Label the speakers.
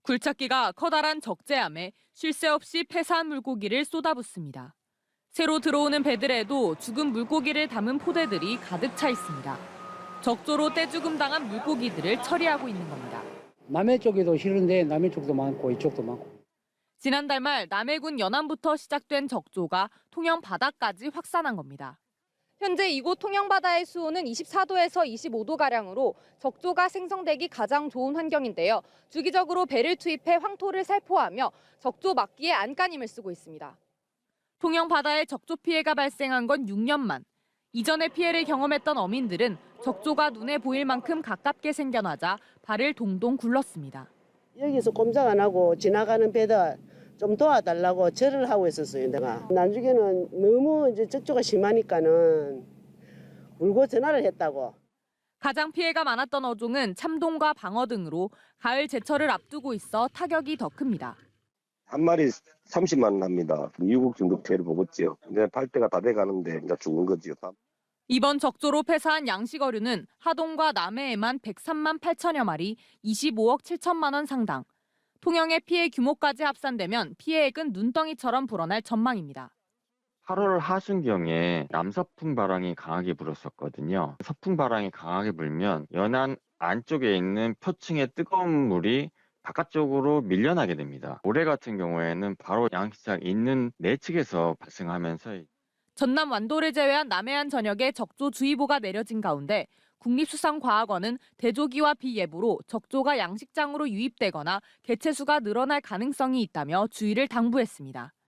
Speaker 1: 굴착기가 커다란 적재함에 쉴 새 없이 폐사한 물고기를 쏟아붓습니다. 새로 들어오는 배들에도 죽은 물고기를 담은 포대들이 가득 차 있습니다. 적조로 떼죽음 당한 물고기들을 처리하고 있는 겁니다.
Speaker 2: 남해 쪽에도 싫은데 남해 쪽도 많고 이쪽도 많고.
Speaker 1: 지난달 말 남해군 연안부터 시작된 적조가 통영 바다까지 확산한 겁니다.
Speaker 3: 현재 이곳 통영바다의 수온은 24도에서 25도가량으로 적조가 생성되기 가장 좋은 환경인데요. 주기적으로 배를 투입해 황토를 살포하며 적조 막기에 안간힘을 쓰고 있습니다.
Speaker 1: 통영 바다에 적조 피해가 발생한 건 6년 만. 이전에 피해를 경험했던 어민들은 적조가 눈에 보일 만큼 가깝게 생겨나자 발을 동동 굴렀습니다.
Speaker 4: 여기서 꼼짝 안 하고 지나가는 배들 좀 도와달라고 절을 하고 있었어요, 내가. 나중에는 너무 이제 적조가 심하니까는 울고 전화를 했다고.
Speaker 1: 가장 피해가 많았던 어종은 참돔과 방어 등으로 가을 제철을 앞두고 있어 타격이 더 큽니다.
Speaker 5: 한 마리 30만 원 합니다. 미국 중급 피해를 보겠지요. 이제 팔 때가 다 돼가는데 이제 죽는 거지요.
Speaker 1: 이번 적조로 폐사한 양식어류는 하동과 남해에만 103만 8천여 마리, 25억 7천만 원 상당. 통영의 피해 규모까지 합산되면 피해액은 눈덩이처럼 불어날 전망입니다.
Speaker 6: 8월 하순경에 남서풍 바람이 강하게 불었었거든요. 서풍 바람이 강하게 불면 연안 안쪽에 있는 표층의 뜨거운 물이 바깥쪽으로 밀려나게 됩니다. 올해 같은 경우에는 바로 양식장 있는 내측에서 발생하면서
Speaker 1: 전남 완도를 제외한 남해안 전역에 적조주의보가 내려진 가운데 국립수산과학원은 대조기와 비예보로 적조가 양식장으로 유입되거나 개체수가 늘어날 가능성이 있다며 주의를 당부했습니다.